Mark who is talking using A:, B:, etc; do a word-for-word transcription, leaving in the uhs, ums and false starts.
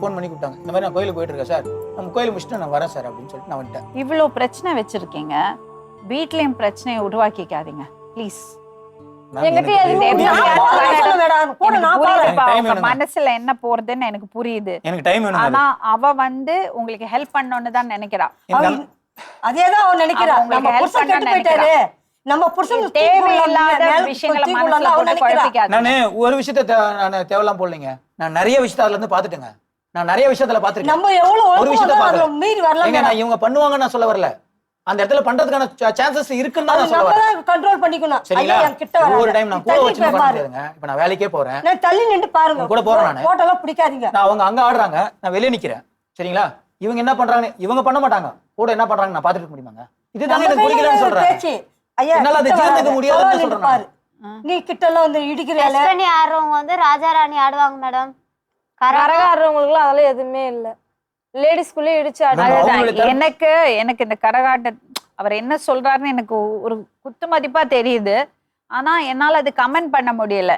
A: Phone பண்ணி கூப்பிட்டாங்க. இந்த மாதிரி நான் கோயிலுக்கு போயிட்டு இருக்கேன் சார், நம்ம கோயில் முடிச்சுட்டு நான் வரேன் சார் அப்படின்னு சொல்லிட்டு நான் வந்துட்டேன்.
B: இவ்வளோ பிரச்சனை வச்சிருக்கீங்க, வீட்லயும் பிரச்சனையை உருவாக்கிக்காதீங்க ப்ளீஸ். மனசுல என்ன போறதுன்னு எனக்கு புரியுது.
A: எனக்கு டைம் வேணும்.
B: ஆனா அவ வந்து உங்களுக்கு ஹெல்ப் பண்ணணும்னு தான் நினைக்கிறா.
C: அதேதான் அவ நினைக்கிறா. நம்ம புருஷன் கெட்டு போயிட்டாரு, நம்ம புருஷன்
B: தேவையில்லாத விஷயங்களை மனசுல போட்டு குழப்பிக்காதீங்க.
A: நானு ஒரு விஷயத்தை நான் தேவையில்லாம போடலைங்க. நான் நிறைய விஷயத்தை அதுல இருந்து பாத்துட்டேங்க. நான் நிறைய விஷயத்துல பாத்துட்டேன்.
C: நம்ம எவ்வளவு
A: ஒரு விஷயத்தை பாக்கல.
C: மீறி வரலாம்.
A: நான் இவங்க பண்ணுவாங்க நான் சொல்ல வரல. அந்த இடத்துல பண்றதுக்கான சான்சஸ் இருக்குன்னு தான் நான் சொல்ல வரேன்.
C: நம்ம கண்ட்ரோல் பண்ணிக்கணும்.
A: சரிங்களா? ஒரு டைம் நான் கூட வச்சு பண்ணாதேங்க. இப்போ நான் வேலைக்கே போறேன்.
C: நான் தள்ளி நின்னு பாருங்க.
A: கூட போறேன் நான்.
C: போட்டோல பிடிக்காதீங்க.
A: நான் அவங்க அங்க ஆடுறாங்க, நான் வெளிய நிக்கிறேன். சரிங்களா? இவங்க என்ன பண்றாங்க? இவங்க பண்ண மாட்டாங்க. கூட என்ன பண்றாங்க நான் பாத்துட்டு முடியுமாங்க? இதுதான் எனக்கு புரியலன்னு சொல்றேன்.
C: ஐயா
A: என்னால அதை ஜீரணிக்க முடியாதுன்னு சொல்றேன் பாரு.
C: நீ கிட்ட எல்லாம் வந்து இடிக்கிறல.
D: டெஸ்ட் பண்ணி ஆடுறவங்க வந்து ராஜா ராணி ஆடுவாங்க மேடம்.
E: கரக ஆடுறவங்களுக்கு அதெல்லாம் எதுவுமே இல்ல. லேடிஸ்குள்ள இடிச்சு ஆடுறாங்க.
B: எனக்கு எனக்கு இந்த கரகாட்ட அவர் என்ன சொல்றாருன்னு எனக்கு ஒரு குத்து மதிப்பா தெரியுது. ஆனா என்னால அது கமெண்ட் பண்ண முடியல.